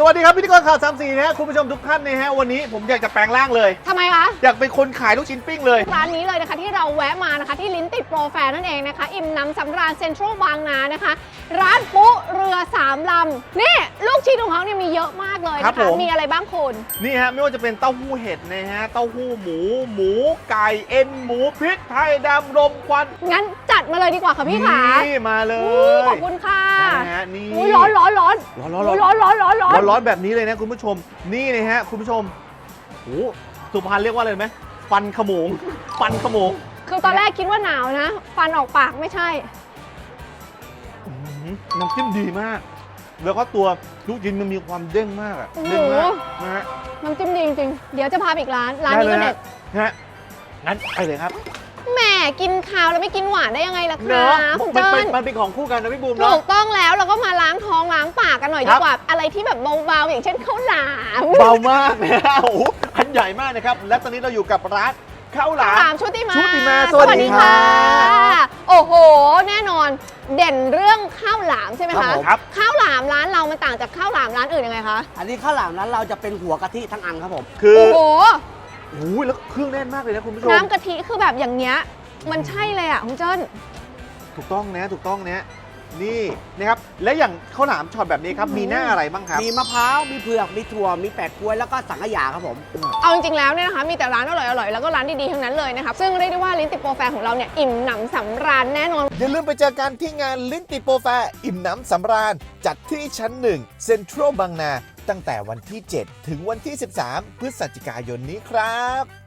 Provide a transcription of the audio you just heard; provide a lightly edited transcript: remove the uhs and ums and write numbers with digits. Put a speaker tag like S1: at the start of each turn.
S1: วัสดีครับพิธีกรข่าว3 สีนะฮะคุณผู้ชมทุกท่านนะฮะวันนี้ผมอยากจะแปลงร่างเลย
S2: ทำไมคะ
S1: อยากเป็นคนขายลูกชิ้นปิ้งเลย
S2: ร้านนี้เลยนะคะที่เราแวะมานะคะที่ลิ้นติดโปรแฟร์นั่นเองนะคะอิ่มน้ำสำราญเซ็นทรัลบางนานะคะร้านปุ๊เรือ3 ลำนี่ลูกชิ้นของเขาเนี่ยมีเยอะมากเลยนะคะมีอะไรบ้างคุณ
S1: นี่ฮะไม่ว่าจะเป็นเต้าหู้เห็ดนะฮะเต้าหู้หมูไก่เอ็นหมูพริกไทยดำรมควัน
S2: งั้นจัดมาเลยดีกว่าค่ะพี่ขา
S1: นี่มาเลย
S2: ขอบคุณค่ะ
S1: นะฮะนี่
S2: ร้อน
S1: แบบนี้เลยนะคุณผู้ชมนี่นะฮะคุณผู้ชมโอ้สุพรรณเรียกว่าอะไรไหมฟันขโมง
S2: คือตอนแรกคิดว่าหนาวนะฟันออกปากไม่ใช่
S1: น้ำจิ้มดีมากแล้วก็ตัวลูกชิ้นมันมีความเด้งมากอะเด้งมากนะฮะ
S2: น้ำจิ้มดีจริงๆเดี๋ยวจะพาไปอีกร้านนี้ก็เด็ด
S1: ฮะงั้นไปเลยครับ
S2: แหมกินข้าวแล้วไม่กินหวานได้ยังไงล่ะคะคุณเจิ้น
S1: มันเป็นของคู่กันนะพี่บูม
S2: ถูกต้องแล้วเราก็มาล้างท้องล้างปากกันหน่อยดีกว่าอะไรที่แบบเบาๆอย่างเช่นข้าวหลาม
S1: เบามากนะโอ้โหอันใหญ่มากนะครับและตอนนี้เราอยู่กับร้านข้าวหลาม
S2: ชุติมา
S1: สวัสดีค่ะ
S2: โอ้โหแน่นอนเด่นเรื่องข้าวหลามใช่ไหมคะ
S1: ครับ
S2: ข้าวหลามร้านเรามันต่างจากข้าวหลามร้านอื่นยังไงคะ
S3: อันนี้ข้าวหลามร้านเราจะเป็นหัวกะทิทั้งอันครับผม
S1: คือ
S2: โอ้โห
S1: แล้วเครื่องแน่นมากเลยนะคุณผู้ชม
S2: น้ำกะทิคือแบบอย่างเงี้ยมันใช่เลยอ่ะคุณเจิ้น
S1: ถูกต้องนะนี่นะครับและอย่างข้าวหลามช็อตแบบนี้ครับมีหน้าอะไรบ้างครับ
S3: มีมะพร้าวมีเผือกมีถั่วมีแปะกล้วยแล้วก็สังขยาครับผม
S2: เอาจริงๆแล้วเนี่ยนะคะมีแต่ร้านอร่อยๆแล้วก็ร้านดีๆทั้งนั้นเลยนะครับซึ่งเรียกได้ว่าลิ้นติดโปรแฟร์ของเราเนี่ยอิ่มหนำสำราญแน่นอน
S1: อย่าลืมไปเจอกันที่งานลิ้นติดโปรแฟร์อิ่มหนำสำราญจัดที่ชั้น1เซ็นทรัลบางนาตั้งแต่วันที่7ถึงวันที่13พฤศจิกายนนี้ครับ